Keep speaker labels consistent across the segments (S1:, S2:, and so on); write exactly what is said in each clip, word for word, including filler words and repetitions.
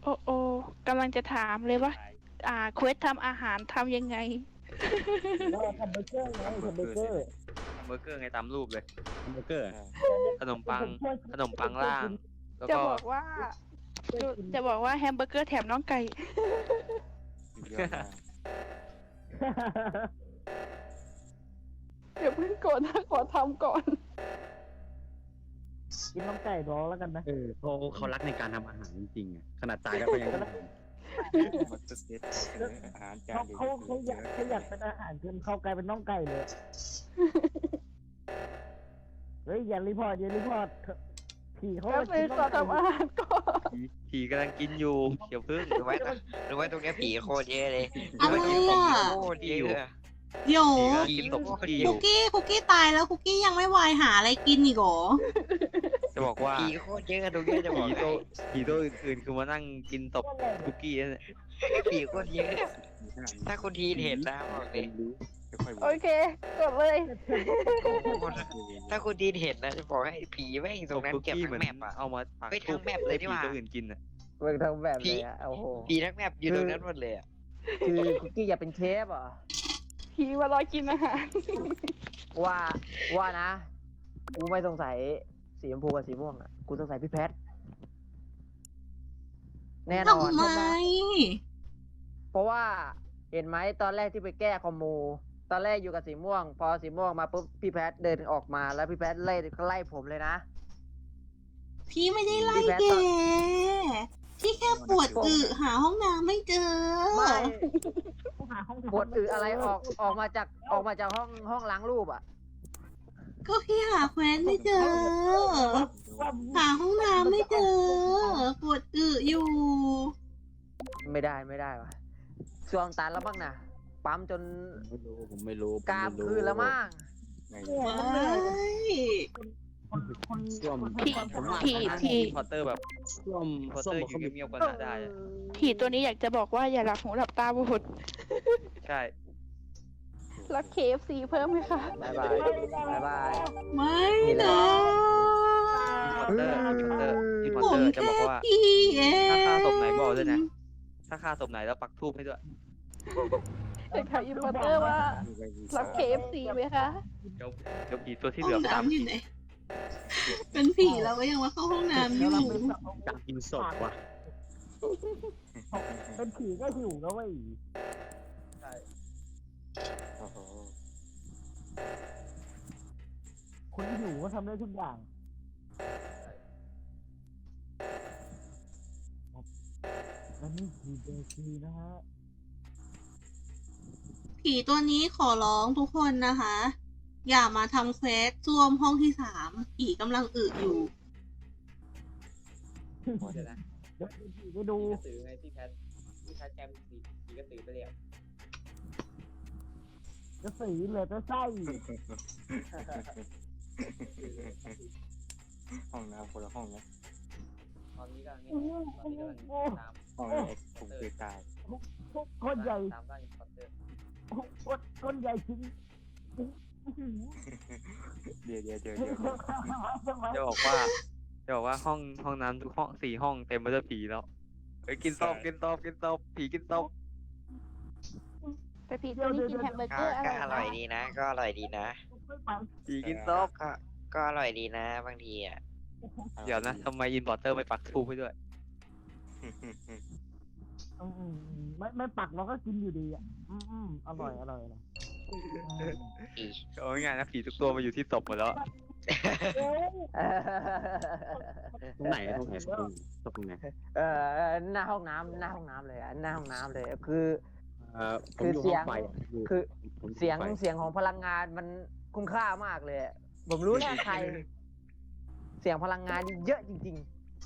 S1: โอ้โอ้กำลังจะถามเลยว่า อ่าเควสทำอาหารทำยังไง
S2: ก็ทำเบอร์เกอร์ไงทำเบอร์เกอร์
S3: เบอร์เกอร์ไงตามรูปเลย
S4: แฮมเบอร์เกอร์
S3: ขนมปังขนมปังล่าง แล้ว
S1: จะ
S3: ก็
S1: บอกว่าจะจะบอกว่าแฮมเบอร์เกอร์แถมน้องไก่
S5: เยอะมาก
S1: เดี๋ยวเพิ่งโกรธนะขอทำก่อน
S2: กินน้องไก่รอแล้วกันนะ
S4: เออเขาเขารักในการทำอาหารจริงๆอ่ะขนาดตายแล้วก็ยังทำ
S5: มันจะเซ็ตอาหารจา
S2: เขา
S5: นเดียว
S2: เขาเขาอยากเขาอยากเป็นอาหารจนเขากลายเป็นน้องไก่เลยเฮ้ยอย่ารีพอร์ตอย่ารีพอร์ตผีเขา
S1: แป๊บนึงขอทำอาหารก่อน
S3: ผีผีกำลังกินอยู่เดี๋ยวพึ่ง
S6: รู้ไหมรู้ไหมตรงเนี้ยผีโคตรเยอะเลย
S7: อะไรอ่ะ
S6: โคตรเยอะ
S7: เดี๋ยว
S3: ผีกำลังกินตกคุกกี้อ
S7: คุ
S3: ยู่
S7: กกี้คุกกี้ตายแล้วคุกกี้ยังไม่วายหาอะไรกินอีกเหรอ
S3: จะบอกว่า
S6: ผีโคตรเยอะตรงเนี้ยจะบ
S3: ผี
S6: อก
S3: ตัว
S6: ให้
S3: ผีตัวอื่นๆคือมานั่งกินตบคุกกี้นั่นแหละ
S6: ผีโคตรเยอะ ถ้าคุณทีเห็นนะบอกเลย
S5: ค่อย
S1: โอเคกดเลย
S6: ถ้าคุณทีเห็นนะจะบอกให้ผีแม่งตรงนั้น
S3: คุก
S6: เก็บ
S3: กี้
S6: ทั้
S3: เหมือง น
S6: แมปอ่ะ
S3: เอามาปัก
S6: เฮ้ยทั้งแมปเลยนี่หว่า
S3: ให้ผีตัวอื่นกินอ่ะ
S8: เวิร์กทั้งแบบเลยอะโอ้โห
S6: ผีทั้งแมปอยู่ตรงนั้นหมดเลยอ่ะ
S8: คือคุกกี้อยากเป็นเชฟเหรอ
S1: ผีมารอกินอาหาร
S8: ว่าว่านะ กูไม่สงสัยสีชมพูกับสีม่วงอ่ะ กูสงสัยพี่แพท แน่นอน
S7: ทำไม
S8: เพราะว่าเห็นไหมตอนแรกที่ไปแก้คอมมู ตอนแรกอยู่กับสีม่วง พอสีม่วงมาปุ๊บพี่แพทเดินออกมาแล้วพี่แพทไล่ไล่ผมเลยนะ
S7: พี่ไม่ได้ไล่แกพี่แค่ปวดอึหาห้องน้ำไม่เจอ
S8: ไม่
S2: หาห้อง
S8: ปวดอืออะไรออกออกมาจากออกมาจากห้องห้องล้างรูปอ่ะ
S7: ก็พี่หาแคว้นไม่เจอ หาห้องน้ำไม่เจอ ปวดอึอยู่
S8: ไม่ได้ไม่ได้วะช่วงตันแล้วบ้างนะปั๊มจน
S4: ไม่รู้ผมไม่รู้ผม
S8: กราม
S4: ไม่รู้
S8: คืนแล้วมั้ง
S5: ไง
S7: ไม่
S4: ส้วม
S1: ผีผีผี
S3: พอตเตอร์แบบ
S4: ส้วม
S3: พอต
S4: ส้
S3: เต
S4: ว
S3: อ
S4: ม
S3: ร์
S4: บอก
S3: อยู่
S4: เขา
S3: เงียบๆกันน่ะได้อะ
S1: ผีตัวนี้อยากจะบอกว่าอย่าหลับหูหลับตาบุด
S3: ใช่
S1: รับเคฟซีเพิ่มไหมคะ
S8: บายบายบายบาย
S7: ไม่นะ
S3: พอตเตอร์พอตเตอร์อีพอต
S7: ผ
S3: เตอ
S7: ม
S3: ร์จะ
S7: แค่
S3: บอกว่า
S7: พี่เอง
S3: ถ้าฆ่าศพไหนบอกด้วยนะ ถ้าฆ่าศพไหนแล้วปักทูบให้ด้วย
S1: เด็กถามอินพอร์เตอร์ว่ารับเคฟซีไหมคะ
S3: เดี๋ยวเดี๋ยวผีตัวที่
S7: ห้
S3: เหลื
S7: อ
S3: อง ไปตาม
S7: น้ำอยู่ไหน เป็นผีแล้วก็ยังมาเข้าห้องน้ำอยู่
S4: การกินศพว่ะ
S2: เป็นผีก็หิวแล้วเว้ย
S5: โอ้โห
S2: คนหิวก็ทำได้ทุกอย่างและนี่คือเบคีนะฮะ
S7: ผีตัวนี้ขอร้องทุกคนนะคะ อย่ามาทำเควสซ่วมห้องที่สามผีกำลังอึอยู่
S3: เดี๋ยวนะ
S2: เดี๋ยวผีไปดู
S3: กระสือไงพี่แพทพี่แพทแกมสีผีกระสือไปเลย
S2: จะสีเหลยจะไส้
S5: ห้องน้ำคนละห้องนะ
S3: ตอนนี้กำลังเนี่ยตอนนี้กำลังตาม
S5: ห้องนี้ผมเคยตาย
S2: คนใหญ่
S3: ตามบ้านอินพอร์เตอร์
S2: คนคนใหญ่จริง
S5: เดี๋ยวเดี๋ยวเดี๋ยวเดี๋ยว
S3: จะบอกว่าจะบอกว่าห้องห้องน้ำทุกห้องสี่ห้องเต็มไปด้วยผีแล้วเฮ้ยกินตบกินตบกินตบผีกินตบ
S1: แต่ผีตัวนี้กินแฮมเบอร์เก
S6: ก็
S1: อร์อ
S6: ก็
S1: ร่อย
S6: อร่อยดีนะ ก็อร่อยดีนะ
S3: ผีกินตบ
S6: ก็ก็อร่อยดีนะบางทีอ่ะ
S3: เดี๋ยวนะทำไมอินพอร์เตอร์ไม่ปักทูบให้ด้วย
S2: อืมไม่ไม่ปักเราก็กินอยู่ดีอ่ะอืมอืมอร่อยอร่อยอร่อย
S6: อี
S3: เอาง่ายๆนะผีทุกตัวมาอยู่ที่ศพหมดแล้ว
S4: ตรงไหนตรงไหนตรงตรงไหน
S8: เออหน้าห้องน้ำหน้าห้องน้ำเลยอะหน้าห้องน้ำเลยคือ
S4: เอ่อผมอยู่ห้องไฟะยู่
S8: คือ
S4: ผมอ
S8: เสียง
S4: ไฟ
S8: เสียงของพลังงานมันคุ้มค่ามากเลยอะผมรู้แน่ใคร เสียงพลังงานเยอะจริง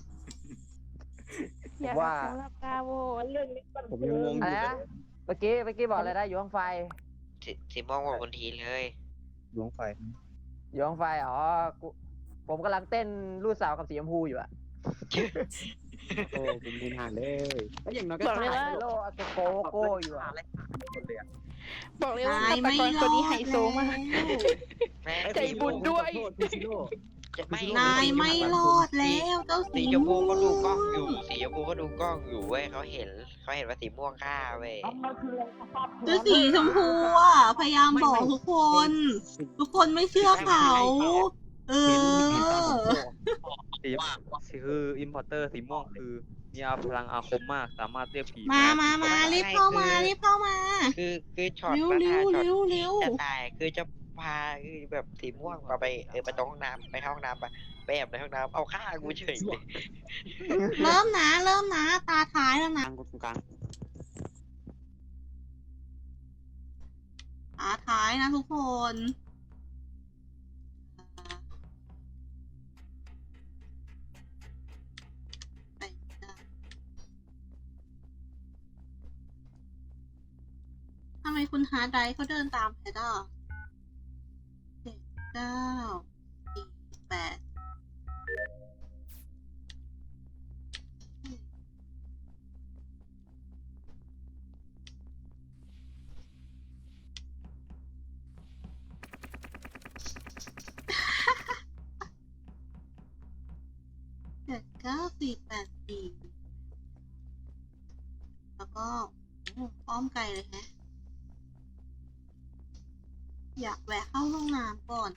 S1: อย่าหลับหูหลับตาโวด
S4: ผมยังงง
S8: ๆ
S4: อ
S8: อะไร
S4: ยู่
S8: นะเมื่อกี้เมื่อกี้บอกอะไรได้อยู่ห้องไฟ
S6: สิสิมองว่าคนทีเลย
S4: อยู่ห้องไฟ
S8: อยู่ห้องไฟอ๋อกูผมกำลังเต้นรูดสาวกับสีชมพูอยู่อะ
S4: โอ้ผมไม่นานเลยแล้วอย่างน้อยก็
S1: บอกเลยว่า
S8: ไฮโลอาโกโกโก้อยู่อะ
S1: บอกเลยว่า
S7: ตาย
S1: ฆาต
S7: ไม่
S1: กร
S7: ร
S1: ตัว
S7: อ
S1: นี้ไฮ
S7: ด
S1: โซมาก
S6: แม่ง
S1: ใจบุญด้วย
S4: ขอโทษพี่ซิโร่
S6: จะไม่
S7: นายไม่รอดแล้วเจ้า
S6: สี
S7: สี
S6: ชมพู
S7: ม่ว
S6: เขาดูกล้อง
S7: ง
S6: อยู่สีชมพูเขาดูกล้องอยู่เว้ยเขาเห็นเขาเห็นว่าสีม่วงฆ่าเว้ย
S2: มันมันคืออะไรสภาพแขน
S7: เจ้าสีชมพูอ่ะพยายามบอกทุกคน ทุกคนไม่เชื่อเขา เออ
S3: สีสีคืออิมพอร์เตอร์สีม่วงคือมีพลังอาคมมากสามารถเรียกผี
S7: มามามารีบเข้ามารีบเข้ามา
S6: คือคือช็อต
S7: เร็ว
S6: ประ
S7: เร็
S6: ธาน
S7: ว
S6: ช็อต
S7: เร็วเร็ว
S6: จะตายคือจะพาคือแบบสีม่วงมาไปเออไปตรงห้องน้ำไปเข้าห้องน้ำไปไปแอบในห้องน้ำเอาฆ่ากูเฉยเลย
S7: เริ่มนะ เริ่มนะ ตาท้ายแล้ว
S4: ก
S7: นะ
S4: ลางตรงกลาง
S7: ตาท้ายนะทุกคน ทำไมคุณฮาร์ดไดรฟ์เขาเดินตามแพทอ่ะเจ็ดเก้าสี่แปดเจ็ดเก้าสี่แปดสี่แล้วก็โอ้อ้อมไกลเลยแฮะ อยากแวะเข้าห้องน้ำก่อน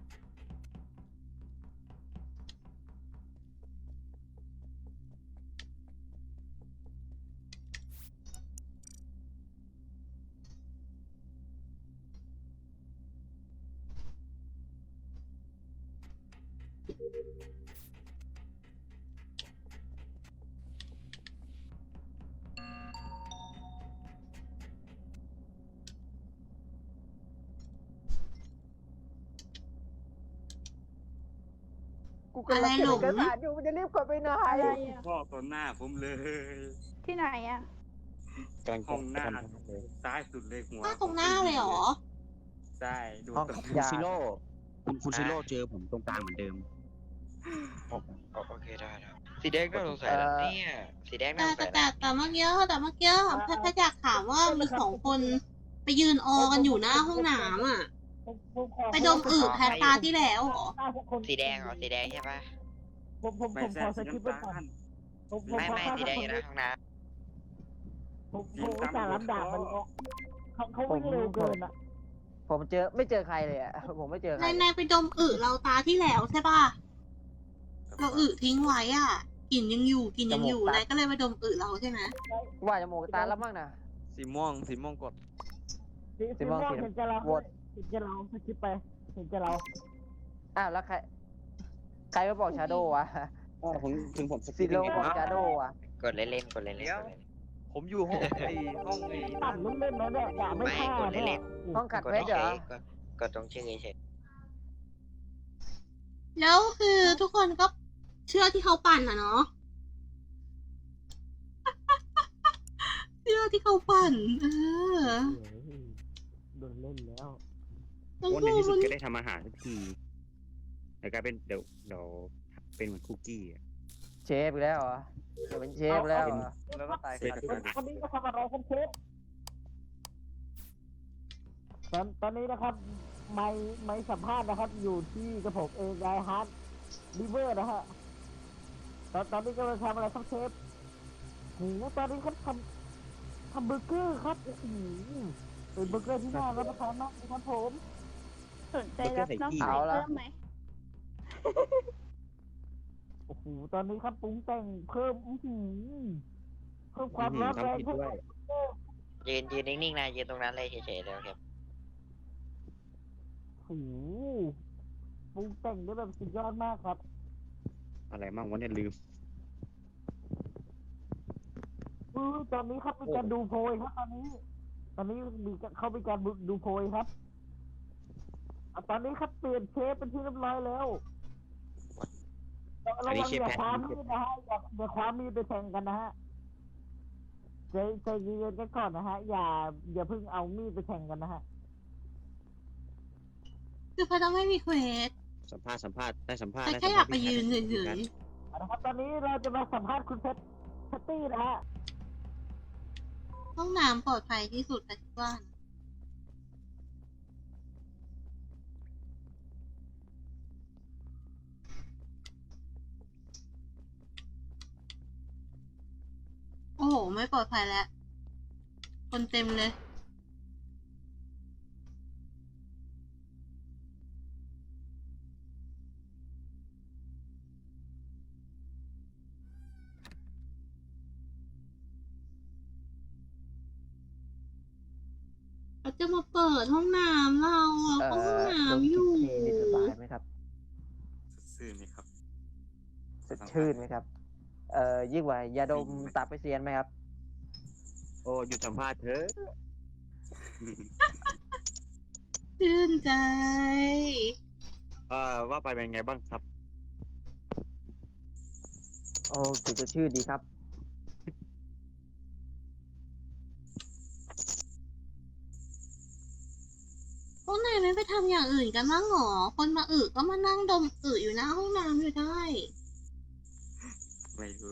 S8: กูกำลังเขียนเอกสารอยู่มันจะรีบกดไปไหน
S1: อะไรอ่ะ
S5: พ่อต่อหน้าผมเลย
S1: ที่ไหนอ่ะ
S4: กำลัง
S5: ห้องหน้า
S4: จะทำเลย
S5: ซ้ายสุดเลยหัว
S7: หน้าตรงหน้าเลยเหรอ
S5: ใช่ดู
S8: ห้อง
S5: ตรง
S4: คุณซิโร่คุณคุณซิโร่เจอผมตรงกลางเหมือนเดิม
S6: โอเคได้แล้วสีแดงน่าสงสัยแล้วเนี่ยสีแดงน่า
S7: แต่
S6: สง
S7: แต่
S6: สัย
S7: แต่
S6: นะ
S7: แต่เมื่อกี้แต่เมื่อกี้แพทย์แพทย์อยากถามว่ามีสองคนไปยืนออกันอยู่หน้าห้องน้ำอ่ะ
S2: ผมผมขอ
S7: ไปดมอึแพทย์ตาที่แล้วเหรอ
S6: สีแดงเหรอสีแดงใช่ปะ
S2: ผมผม
S5: ไม่
S2: ผม
S5: ใช่
S2: ขอส
S5: สี
S2: กิปไป
S5: น้ำ
S2: ก่อ
S5: ตาน ล
S2: ผมผม
S6: ไม่
S2: ขอ
S6: ไม่
S2: ข้าม
S6: สีแดง
S2: ค
S6: อน ยู่ห
S2: นี้
S6: น้าห้องน้
S2: ผมผมอุตส่าห์ลำดาบมันออกเขาเขาวิ่งเร็วเกินอ่ะ
S8: ผมเจอไม่เจอใครเลยอ่ะ ผมไม่เจอใคร
S7: นายนายไปดมอึเราตาที่แล้วใช่ป่ะ เราอึทิ้งไว้อ่ะกลิ่นยังอยู่กลิ่นยังอยู่นายก็เลยไปดมอึเราใช่ไหม
S8: ว่าจะโมกตาแล้วมั้งนะ
S3: สีม่วงสีม่วงกด
S2: สี
S8: สี
S2: สี
S8: ม่
S2: ม่
S8: ว
S2: ว
S8: ง
S2: ง
S8: สี
S2: เห็นจะเรา
S8: โหวต
S2: เห็นจะเราสกิปไปเห็นจะเรา
S8: อ้าวแล้วใคร ใครมาบอกชาโดว์วะ
S4: อ๋อผมถึงผมส
S8: ซิ
S4: กิป
S8: โร่
S4: ยังไง
S8: บอก
S4: วะ
S8: ชาโดว์วะ
S6: ำกดเล่นๆกดเล่นๆกดเล่น
S3: ผมอยู่ห้องไอ้ห้องไอ้
S2: ตัดเล่นๆนะเนี่ยด่า
S6: ๆ
S2: ไม่
S6: ไม่
S2: ฆ่าก
S6: ด
S2: เนี่
S6: เล่
S2: ย
S6: น
S8: ห้องขัด
S6: ๆกด
S8: เพชรเหร
S6: เฉ
S8: อย
S6: ๆกดกดตรงชื่อเฉย
S7: แล้วคือทุกคนก็เชื่อที่เขาปั่นอ่ะเนาะ เชื่อที่เขาปั่น เออ
S2: โดนเล่นแล้ว
S7: ต้อง
S4: วัน
S7: พู
S4: ใน
S7: ด
S4: ที่สุด
S7: มัน
S4: ก็ได้ทำอาหารสักทีแต่กลายเป็นเดี๋ยวเดี๋ยวเป็นเหมือนคุกกี้อะ
S8: เชฟอีกแล้วเหรอจะเป็นเชฟแล้วเหรอ
S3: แล้วก็ตาย
S4: เสร็จ
S3: คา
S4: แล้ว
S3: ที่
S2: คนนี้ก็ทำอะไรครับเชฟตอนตอนนี้นะครับ ไม่ไม่สัมภาษณ์นะครับ อยู่ที่กระผมเองไกฮาร์ดลิเวอร์นะฮะตอนตอนนี้ก็มาทำอะไรครับเชฟโหตอนนี้เขาทำทำเบอร์เกอร์ครับโอ้โหเป็นเบอร์เกอร์ที่น่ารับประทานมากนะครับผม
S1: สนใจรับน้องใหม่เพิ่มไหม
S2: โอ้โหตอนนี้ครับปรุงแต่งเพิ่มอื้อหือเพิ่มความร้อนแรง
S4: ทำผิด
S2: เพิ่ม
S4: ด้วย
S6: ๆยืนยืนนิ่งๆนะยืนตรงนั้นเลยเฉยๆเลยครับ
S2: โอ้โหปรุงแต่งได้แบบสุดยอดมากครับ
S4: อะไรมั่งวะเนี่ยลืม
S2: อือตอนนี้ครับมีการดูโพยครับตอนนี้ ตอนนี้มีการเขามีการดูโพยครับอ่ะตอนนี้ครับเปลี่ยนเชฟเป็นที่เรียบร้อยแล้วเราเราอย่าความมีดนะฮะอย่าอย่าความมีดไปแทงกันนะฮะใจใจเย็นๆกันก่อนนะฮะ อย่า อย่าเพิ่งเอามีดไปแทงกันนะฮะ
S7: คือพระต้องไม่มีเควส
S4: สัมภาษณ์สัมภาษณ์ได้สัมภาษณ์
S7: แต่
S4: ได้
S7: แค่
S4: สัม
S7: อยา
S4: ภาก ษณ์
S7: ไปยืนเฉย
S2: เอาละครับตอนนี้เราจะมาสัมภาษณ์คุณเพชรแพตตี้นะฮะ
S7: ๆห้องน้ำปลอดภัยที่สุดแต่คิดว่านะไม่ปลอดภัยแล้ว คนเต็มเลย เขาจะมาเปิดห้องน้ำเราอะ
S8: เอ่
S7: ห้อง
S8: อ
S7: น้ำ
S8: ดม
S7: อก
S8: ลิ่น
S7: ยู่
S8: เทนี่สบายไหมครับ
S5: ซื่อไหมครับ
S8: สดชื่นไหมครับ เอ่อยิ่งกว่ายาดมตับไปเซียนไหมครับ
S4: โอ้หยุดสัมภาษณ์เถอะ
S7: ชื่นใจ
S4: เอ่อว่าไปเป็นไงบ้างครับ
S8: โอ้กลิ่นสดชื่นดีครับ
S7: พวกนายไม่ไปทำอย่างอื่นกันบ้างหรอ คนมาอึก็มานั่งดมอึอยู่หน้าห้องน้ำอยู่ได้
S5: ไม่รู้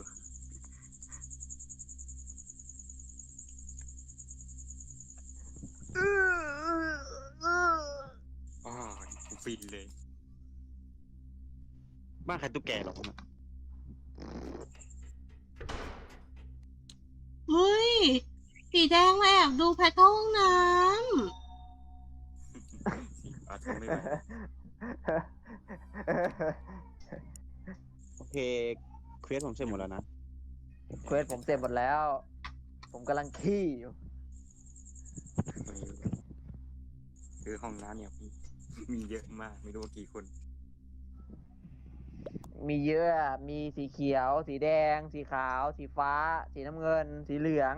S5: อ๋อฟินเลย
S4: บ้านใครตุ๊กแกหรอกนะ
S7: เฮ้ย สีแดงมาแอบดูแพทเข้าห้องน้
S5: สีฟ้าทนไม่ไหว
S4: โอเคเควสผมเสร็จหมดแล้วนะ
S8: เควสผมเสร็จหมดแล้ว ผมกำลังขี้อยู่
S5: ไม่รู้คือห้องน้ำเนี่ยมีมีเยอะมากไม่รู้ว่ากี่คน
S8: มีเยอะ มีสีเขียว สีแดง สีขาว สีฟ้า สีน้ำเงิน สีเหลือง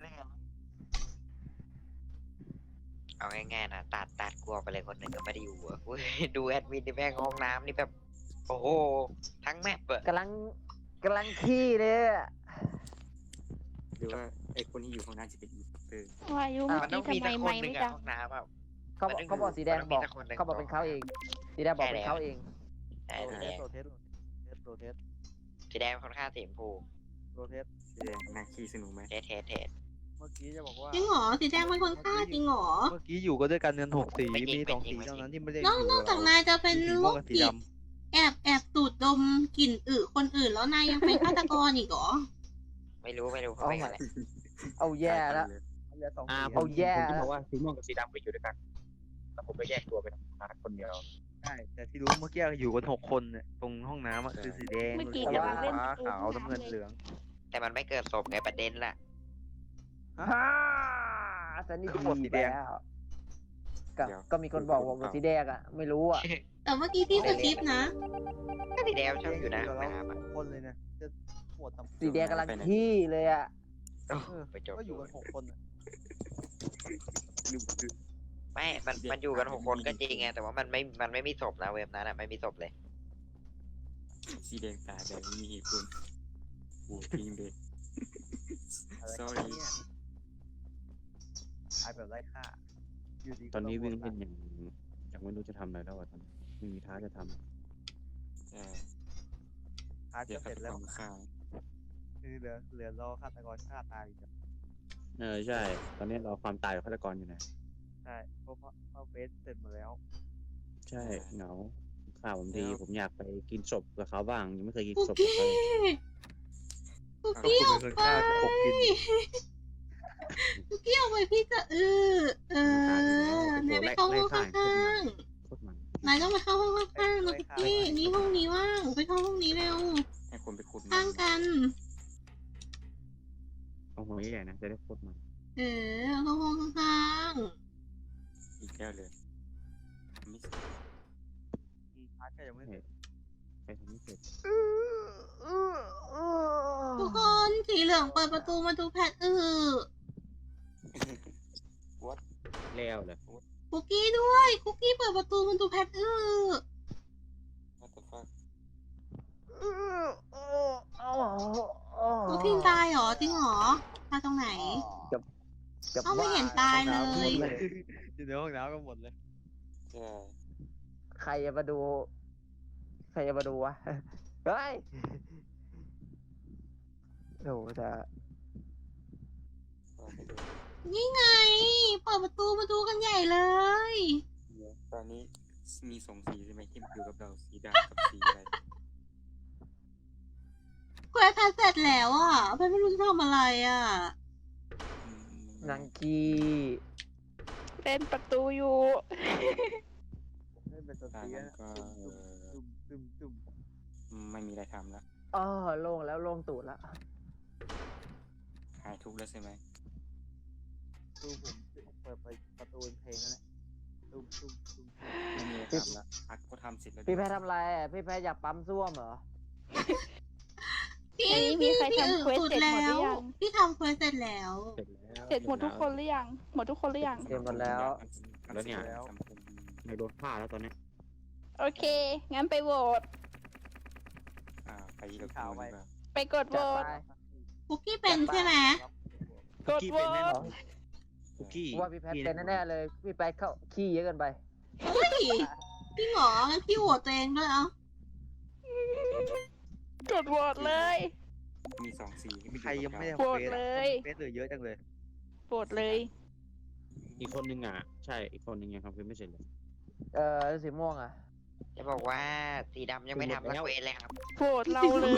S6: ำเอาง่ายๆนะตัดตัดกลัวไปเลยคนหนึ่งก็ไม่ได้อยู่อะอุ้ยดูแอดมินในแม่งห้องน้ำนี่แบบ โอ้โห ทั้งแมปอะ
S8: กำลังกำลังขี้เลยอะ
S5: หรือว่าไอคนที่อยู่ห้องน้ำจะเป็นอีสเตอร์
S1: วายุ
S8: อ่ะ
S1: เมื่อ
S6: มันต้
S1: กี้
S6: องมี
S1: ทำไม
S6: สักคน
S1: ไม่
S6: หนึ่ง
S1: ไม่
S6: อะ
S1: ดัง
S6: ห้องน้ำอะ
S8: เขา
S6: มันต้อง
S8: เขาบอกสีแดง
S6: มันต้องมี
S8: บอก
S6: สักคนหนึ่ง
S8: เขาบอกเป็นเขาเอง สีแดงบอกเป็นเขาเอง
S6: ใช่
S8: โร
S6: สี
S8: เท
S6: แด
S8: ส
S6: ง
S8: โรเทสโรเทส
S6: สีแดงค่อนข้างสีชมพู
S8: โรเทส
S5: แสดงหน้าขี้สนุกไหม
S6: เทสเทสเทส
S3: เมื่อกี้จะบอกว่า
S7: ำจริงเหรอ สีแดงเป็นคนฆ่าจริงเหรอ
S3: เมื่อกี้อยู่ก็ด้วยกันเงินหกสี มีสองสีเท่านั้นที่ไม่ได้อน
S7: อก
S3: ยู่
S7: นอกจากนายจะเป็น
S3: สี
S7: โร
S3: ม่วง
S7: ค
S3: กับสี
S7: จิต
S3: ด
S7: แอบแอบสูดดมกลิ่นอึคนอื่นแล้วนายยังเป็นฆาตกรอีกเหรอ
S6: ไม่รู้ไม่รู้เขา
S8: เอา
S6: เป็น
S8: ใหม่
S6: อะไร
S8: เอาแย่แล้ว
S3: ำเหลือสอง
S4: อ่า
S3: สี
S4: ผม
S8: เอาแย่
S4: ผมจะบอกว่าสีม่วงกับสีดำไปอยู่ด้วยกัน แล้วผมก็แยกตัวไปทำงานคนเดียว
S3: ใช่แต่ที่รู้เมื่อกี้อยู่กันหกคนเนี่ยตรงห้องน้ำอะคือสีแดง
S1: เมื่อกี้
S3: สี
S1: กำลังเล่น
S3: ฟ้า
S1: ประตู
S3: ขาว
S1: ห้อง
S3: น้ำเงิน
S1: น้ำเลย
S3: เหลือง
S6: แต่มันไม่เกิดศพไงประเด็นล่ะ
S8: ฮ่าสันนี่
S3: คือหมดสี
S8: ดี
S3: แด
S8: ไป
S3: ง
S8: แล้วก็ก็มีคนบอกว่าเป็นสีแดงอ่ะ ไม่รู้อ่ะ
S7: แต่เมื่อกี้พี่สคริปต์นะ
S6: ก็สีแดงชอบอยู่นะห้องน้ำอะ
S3: คนเลยนะจะปวดทำ
S8: สีแดงกำลังขี้เลยอ่ะ
S6: โอ้
S3: เออ
S6: ไปจบ
S3: ก็อยู่กันหกคนอะ
S5: ดูคือ
S6: ไม่ มันมันอยู่กันหกคนก็จริงไงแต่ว่ามันไม่มันไม่มีศพนะเว็บนั้นอะไม่มีศพเลย
S5: สีแดงตาแดงไม่มีเหตุผลโอ้พิงเด็ก
S3: อะไร
S5: sorry
S3: เนี่ยตายแบบไร้ค่าอยู่ดีก็
S4: ตอนนี้วิ่ง
S3: โด
S4: เล่นอย่างอย่างไม่รู้จะทำอะไรแล้วอะตอนนี้ไม่มีท้าจะท
S5: ใช่
S3: พาร์ท
S5: เดี๋ย
S3: ก็
S5: ว
S3: เส
S5: เขา
S3: ร็จ
S5: จะ
S3: แล้ว
S5: ทำข้าว
S3: คือเหลือเหลือรอฆาตกรฆ่าตายอยู่
S4: ำเออใช่ ตอนนี้เราความตายของฆาตกรอยู่นะ
S3: ใช่เพราะเพราะเพราะเฟสเสร็จหมดแล้ว
S4: ใช่เหงาข่าวผมดีผมอยากไปกินศพกับเขาบ้างยังไม่เคยกิน
S7: คุก
S4: ศพกับ
S7: กี้
S4: เขาเลย
S7: คุกกี้ออก
S3: เป็นคน
S7: ไป
S3: ฆ่าขบกิน
S7: คุกกี้ออกไปพี่จะเออเออนายไปเข้าห้องข้าง
S4: โคตรมัน
S7: ๆนายต้องไปเข้าห้องข้างๆนะคุกกี้นี่ห้องนี้ว่างไปเข้าห้องนี้เร็ว
S5: ให้คนไปขุด
S7: ข้างกัน
S4: เอาหัวใหญ่ๆนะจะได้โคตรมัน
S7: เออเข้าห้องข้าง
S5: อีกแล้วเลยไม่ใช่
S3: อืมพาร์ทก็ยังไม่เสร็จ
S4: ไปทำไม่เสร็จ
S7: ๆทุกคนสีเหลืองเปิดประตูมาดูแพทอือ
S4: แล้วเลย
S7: คุกกี้ด้วยคุกกี้เปิดประตูมาดูแพทอือ
S5: What the fuck
S7: คุกกี้ตายเหรอจริงเหรอตายตรงไหน
S8: กับ
S7: เอาไม่เห็นตายเลย
S3: อยู่ในห้องน้ำกันหมดเลย
S5: ใช่
S8: ใครจะมาดู ใครจะมาดูวะ เฮ้ยโอ้จะ
S5: ก็ไปดู
S7: นี่ไง เปิดประตูมาดูกันใหญ่เลย
S5: เดี๋ยวตอนนี้มีสองสีใช่ไหมที่อยู่กับเราสีดำกับสีอะไร
S7: กเควสแพทเสร็จแล้วอ่ะแพทไม่รู้จะทำอะไรอ่ะ
S5: อืม
S8: นางกี
S1: เล่นประตูอยู่
S8: เล่นเป็นตัว
S5: ถ้า
S8: เตี้ย
S5: งั้นก็เออ
S8: ตึมตึมตึม
S5: ไม่มีอะไรทำแล้ว
S8: อ๋อโล่งแล้วโล่งตูดแล้ว
S5: หายทุกข์แล้วใช่ไหม
S8: ตู้ผมเปิดไปประตูเพลงนั่นแหละตุ้มตุ้มตุ้ม
S5: ไม่มีอะไรทำละพักก็ทำเสร็จแล้ว
S8: พี่แพททำอะไรอ่ะพี่แพทอยากปั๊มส้วมเหรอ
S7: พี่
S1: อันนี้มี
S7: พี่
S1: ใคร
S7: พี่
S1: ทำ
S7: อึ
S1: เควส
S7: สุด
S1: เสร็จหมดหรื
S7: แล้ว
S1: อยัง
S7: พี่ทำเควสเสร็จแล้ว
S4: เสร็จแล้ว
S1: เสร็จหมดทุกคนหรือยัง หมดทุกคนหรือยัง
S8: เสร็จหมดแล้ว
S4: แล้วเนี่ย
S5: ทำคน
S4: ไม่โดนฆ่าแล้วตอนเนี้ย
S1: โอเค งั้นไปโหวต
S5: อ่าไปเลือกตั้งดีกว่า
S1: ไปกดโหว
S8: จัด
S1: ต
S8: ไป
S7: คุกกี้เป็นใช่ไหม
S1: กดโหวต
S4: คุกกี้
S8: ว่าพี่แพทเป็นแน่ๆเลย พี่แพทเข้าขี้เยอะเกินไป
S7: เฮ้ยพี่หงองั้นพี่โหวตตัวเองด้วยเอ้าก
S1: ดโหวตเลย
S5: มีสองสีที่มี
S3: ใครยังไม่ได้
S1: โหวตเลย
S3: เฟสเหลือเยอะจังเลย
S1: โหวตเลย
S4: อีกคนนึงอ่ะ ใช่ อีกคนนึงยังทำเควสไม่เสร็จเลย
S8: เออสีม่วงอ่ะ
S6: จะบอกว่าสีดำยังไม่ทำละเควสเลยครับ
S1: โหวตเราเลย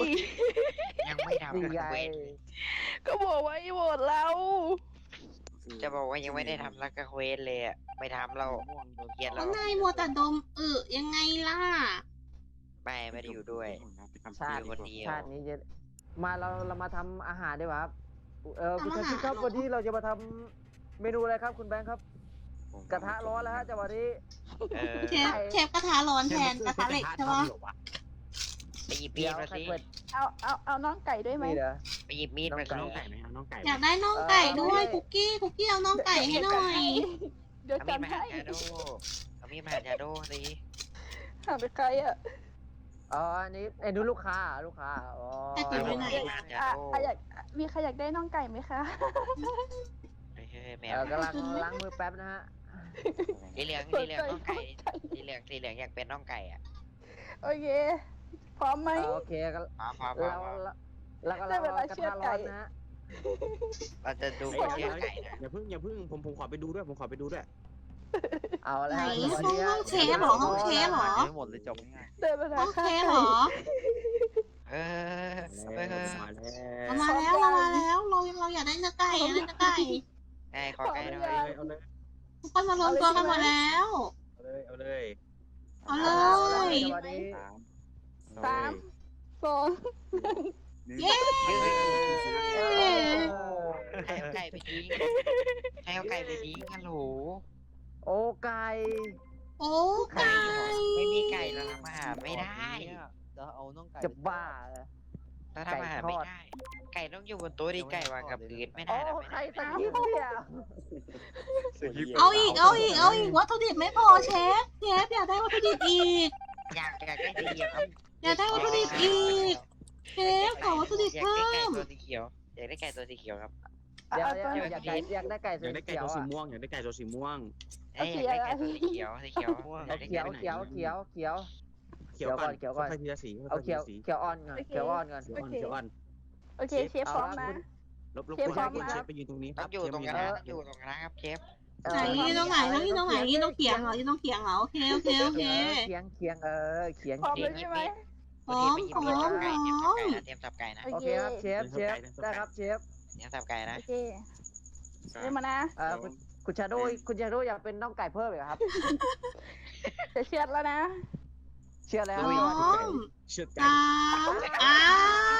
S6: ยังไม่ทำ
S8: นี่
S6: ละ
S8: ไง
S6: เควส
S1: ก็บอกว่าให้โหวตเรา
S6: จะบอกว่ายังไม่ได้ทำละเควสเลยอ่ะไม่ทำเราเกลียด
S7: แล้
S6: เรา
S7: วนายมัวแต่ดมอึยังไงล่ะ
S6: ไม่ไม่ได้อยู่ด้วย
S8: ชาติ
S6: คนเดียว
S8: ชาตินี้จะมาเราเรามาทำอาหารดีกว่าครับ เออคุณ
S7: ทำอา
S8: ชา
S7: หาร
S8: ชิครับ
S7: เหรอ
S8: วันนี้เราจะมาทำเมนูอะไรครับคุณแบงค์ครับ กระทะร้อนแล้วฮะจังหวะนี้
S6: เออ
S7: เชฟเชฟกระทะร้อนแทนกระทะเหล็กใช่ปะ
S6: ไปหยิบมี
S8: เดี๋
S6: ด
S8: ยว
S6: มา
S8: ใคร
S6: สิ
S8: เปิด
S1: เอาเอาเอาน้องไก่ด้วยไหม
S8: นี่เดี๋ยว
S6: ไปหยิบมีดมา
S8: น้
S6: สิ
S8: อง
S4: น้องไก่ไหมเอาน้องไก่
S7: อยากได้น่องไก่ด้วย
S8: เออ
S7: คุกกี้คุกกี้เอาน่องไก่ให้หน่อย
S1: เดี๋ยว
S6: เอามีด
S1: จำ
S6: มา
S1: ให้
S6: หาชาโดเอามีดมาหาชาโดสิ
S1: หาไปใครอ่ะ
S8: อ๋ออันนี้ไอ้นู้นลูกค้าลูกค้าอ๋อ
S7: แต่ติดไว้ไหน
S1: อ่ะอ่ะอยากมีใครอยากได้น้องไก่ไหมคะ
S6: เฮ้ยแม
S8: เอ
S6: ว
S8: อกำลังล้างมือแป๊บนะฮะ
S6: สีเหลืองสีเหลืองน้องไก่สีเหลืองสีเหลืองอยากเป็นน้องไก่อ่ะ
S1: โอเค พร้อมไหม
S8: เออโอเคก็
S6: พร้อมพร้อมพร้อ
S8: เรา
S6: มพร้อม
S8: เราก็
S1: ได้
S8: เรา
S1: เวลาก
S8: ระ
S1: เชือ
S8: ทะ
S1: ด
S8: ร้
S1: ไก่
S8: อนนะฮะ
S6: เราจะดู
S4: เดี๋
S6: เป็
S4: ย
S6: น
S4: ว
S6: เชือกไก่นะ
S4: อย่าเพิ่งอย่าเพิ่งผมผมขอไปดูด้วย ผมขอไปดูด้วย
S8: เอาแล้ว
S7: ไหน
S8: ฮะ
S7: ห้องห้องเชฟเหรอห้องเชฟเหรอ
S3: ไม่หมดเลยจบง่าย
S1: ได้เวลา
S7: ห้อง
S1: ฆ่า
S7: เชฟ
S1: ไก่
S7: เหรอ
S6: เออเออ
S4: มาแล้ว
S7: เรามาแล้วเรามาแล้วเราเราอยากได้เนื้อไก่อยากได้เนื้อไก่
S6: ไก่ขอไก่หน่อย
S4: เอาเลย
S7: ทุกคนมารวมตัวกันหมดแล้ว
S4: เอาเลยเอาเลย
S7: เอาเล
S8: เอา
S7: ย
S8: จังหวะนี้
S5: สาม
S1: สามสอง
S7: เย้
S8: เออ
S6: ใครเอาไก่ไปทิ้งใครเอาไก่ไปทิ้งฮัลโหล
S8: โอ้ไก่
S7: โอ้ไก่
S6: ไม่มีไก่เราทำอาหารไม่ได้
S3: จะเอาน้องไก่
S8: จะบ้าเหรอ
S6: เราทำอาหารไม่ได้ ไก่ต้องอยู่บนโต๊ะดิไก่วางกับพื้นไม่
S8: โอ้
S6: ได้นะไม่
S8: ใคร
S6: ได้
S8: ตะกี้เนี่ย
S7: เอาอีกเอาอีกเอาอีกวัตถุดิบไม่พอเชฟเชฟอยากได้วัตถุดิบอีก
S6: อยากอยากได้สีเขียวครับ
S7: อยากได้วัตถุดิบอีกเชฟขอวัตถุดิบ
S6: อยาก
S7: เพิ่
S6: ได้ไก่
S7: ม
S6: ตัวสีเขียวอยากได้ไก่ตัวสีเขียวครับ
S8: เดี๋ยว
S1: เอา
S8: เดี๋ยว
S1: ตัว
S8: อยากไก่อยากได้ไก่
S4: อ
S8: สี
S4: ยากได้ไก่
S8: เขียว
S4: ตัวสี
S8: อ่ะ
S4: ม่วงอยากได้ไก่ตัวสีม่วง
S6: เอ้ยอยากได้ไก่ตัวสีเขียวสีเขียวอยากได้
S8: เขียว
S6: ไก่
S8: เขียวเขียวเขียว
S4: เขียวก่อน
S8: เขียวก่อน
S4: ค่อยๆทีละสี
S8: เอา
S4: ค่อยๆที
S8: เขียว
S4: ละสี
S8: เขียวอ่อนก่อนเขียวอ่อนก่อน
S4: เขียวอ่อนเขียวอ่อน
S1: โอเคเชฟพร้อมนะ
S4: ลบลบ
S1: เชฟ
S4: คน
S1: พร้อม
S4: คน
S1: นะ
S4: เชฟไปยืนตรงนี้ค
S6: ต้
S4: รั
S6: อบ งอยู่ตรง
S4: เช
S6: ก
S4: ฟ
S6: ระ
S4: ยื
S6: ทะต้องอยู่ตรงกระทะครับเชฟ
S7: ไหนยืนตรงไหนต้องยืนตรงไหนยืนตรงเขียงเหรอยืนตรงเขียงเหรอโอเคโอเคโอเค
S8: เขียงเขียงเออเขียง
S1: พร้อม
S8: เขีย
S1: แล้
S8: ง
S1: วใช่ไหม
S7: พร้อม
S6: ไปหยิบ
S7: พร้อ
S6: มีด
S7: ม
S6: สับ
S7: พ
S6: ไก่
S7: ร้อ
S6: เตรียมสับไก่นะ
S1: โอ
S8: โอ
S1: เค
S8: เคครับเชฟเชฟได้ครับเชฟ
S6: เตรียมสับไก่นะ
S1: โอเคเริ่มมานะ
S8: เออคุณคุณชาโดคุณชาโดอยากเป็นน้องไก่เพิ่มอีกครับ
S1: จะเชือดแล้วนะ
S8: เชื่อแล้ว
S7: พร้อม
S4: เชือดไก่
S7: สามอ้าว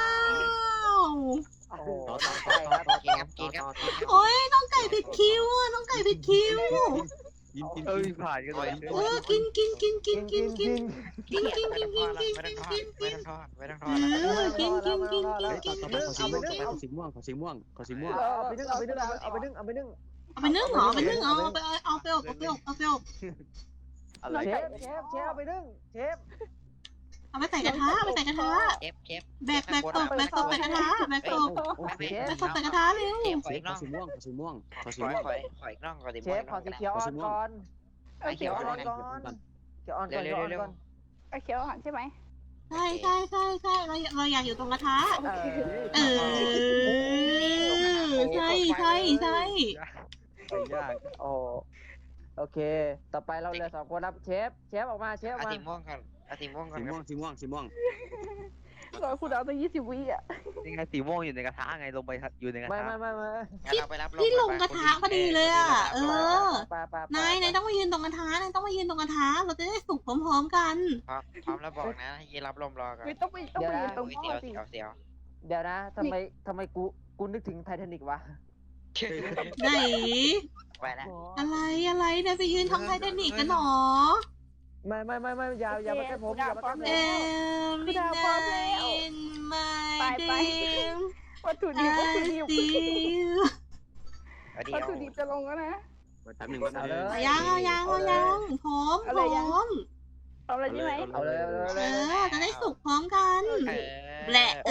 S8: โอ้โห
S4: ต่อ
S8: น้
S4: ต่
S8: อ
S4: อง ต่อ
S8: ไก่
S4: ต่อ
S8: ครับ
S6: กินครับกินครับกินครับ
S7: โอ้ยน้องไก่ผิดคิวอ่ะน้องไก่ผิดคิว
S4: กินกิน
S3: เอ้ย
S4: กิน
S3: ผ่านกันเลย
S7: เออกินกินกินกินกินกิน
S6: กินกินกินกินกินกินกินไม่ต้องทอดไม่ต้องทอด
S7: เอ
S6: ไม่ต้องทอด
S7: อกินกินกินกิน
S4: เฮ้ย
S7: กิ
S4: ต่อน ต่อไปขอสีม่วงต่อไปขอสีม่วงขอสีม่วงขอสีม่วง
S8: เอาไปนึ่งเอาไปนึ่งเอาไปนึ่งเอาไปนึ่ง
S7: เอาไปนึ่งเหรอเอาไปนึ่งเอาไปเอาไปอบเอาไปอบเอาไปอบ
S3: อะไร
S8: เชฟเชฟเชฟเอาไปนึ่งเชฟ
S7: เอาไปใส่กระทะเอาไปใส่กระทะ
S6: เชฟเชฟ
S7: แบกแบกตบแบกตบใส่กระทะแบกตบ
S8: เชฟ
S7: แบกตบใส่กระทะเร็ว
S6: เชฟขอ
S4: เช
S6: อี
S4: ฟ
S6: ก
S4: ข
S6: น่
S4: อ
S6: อง
S4: สีม่วงขอสีม่วงขอสี
S6: ขอ
S4: ม่วง
S6: ขอขออีกน่องขอสี
S8: เช
S6: ม่วง
S8: ฟขอสีเขียวอ่อนก่อน
S1: เอาเขียวอ่อน
S8: ก่อนเขียวอ่อนก่อนเขียวอ่อนก่อน
S1: เอาเขียวอ่อนใช่ไหม
S7: ใช่ใช่ใช่ใช่เราเราอยากอยู่ตรงกระทะ
S8: เออ
S7: เออใช่ใช่ใช่
S3: ยาก
S8: โอ้โอเค ต่อไปเราเหลือสองคนครับเชฟเชฟออกมาเชฟออก
S6: เอา
S8: มา
S6: สีม่วงก่อนเอาสีม่วงก่อน
S4: สี
S6: ครั
S4: ม่วง
S6: บ
S4: สีม่วงสีม่วง
S1: โรอคุณเอาตั้งยี่สิบวิอ่ะ
S3: นี่ไงสีม่วงอยู่ในกระทะไงลงไปอยู่ในกระ
S8: ไม่
S3: ทะ
S8: ไม่ไม่ไม่
S6: งั้นเราไปรับ
S7: ที่ลง
S6: ไป
S7: กระทะพอดีเลยอ่ะ เออ
S8: ไปไปไป
S7: นายนายต้องมายืนตรงกระทะนายต้องมายืนตรงกระทะเราจะได้สุกพร้อมๆกัน
S6: พร้อมพร้อมแล้วบอกนะยีรับลมรอก่อน
S1: ไม่ต้องไปต้องไปยืนตรง
S6: โอ้ย
S1: พ่
S6: เสี
S1: อ
S6: ยว
S1: สิ
S6: เสียวเสียว
S8: เดี๋ยวนะทำไมทำไมกูกูนึกถึงไททานิกวะ
S7: ไหน
S6: ไปแล้ว
S7: อะไรอะไรนายไปยืนทำไททานิกกันหรอ
S8: ไม่ไม่ไม่ไม่อย่าอย่ามาใกล้ผมอย่ามาใกล้ผม
S7: เอ็มบินไนมา
S1: ไปไป
S7: ดิม
S1: วัตถุดิบวัตถุดิบ
S7: ดิว
S6: เดี๋
S1: วัต
S6: ยว
S1: ถุดิบจะลงแล้วนะ
S5: แป๊บหนึ่งแป๊บห
S8: เอา
S5: นึ่ง
S8: เลย
S7: ยังเอายังเอายังพร้อมพ
S1: อะไร
S7: ร้
S1: ยัง
S7: อม
S1: ทำอะไรใช่ไหม
S8: เอาเลยเอาเลยเอา
S7: เอ
S8: เลย
S7: อจะได้สุกพร้อมกัน
S6: เออ
S7: แหละเอ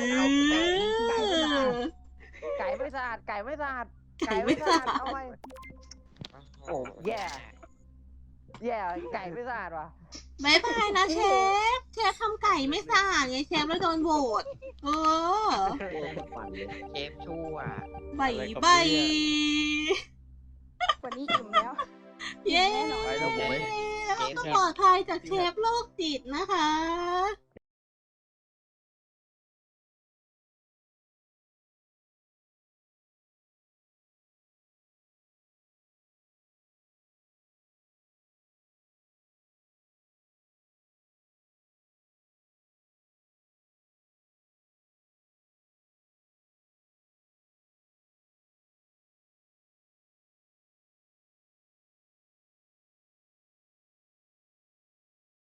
S7: อ
S8: ไก่ไม่สะอาดไก่ไม่สะอาด
S7: ไก่ไม่สะอาด
S8: เอาไปโอ้แย่แย่ไก่ไม่สะอาดว่ะ
S7: บายบายนะเชฟ เชฟทำไก่ไม่สะอาดไงเชฟแล้วโดนโหวตเออ
S6: เกมชั่ว
S7: บายบาย
S1: วันนี้อิ่มแล้ว
S7: เย้
S3: ไปแล้วผมไม่
S7: เราก็ปลอดภัยจากเชฟโรคจิตนะคะ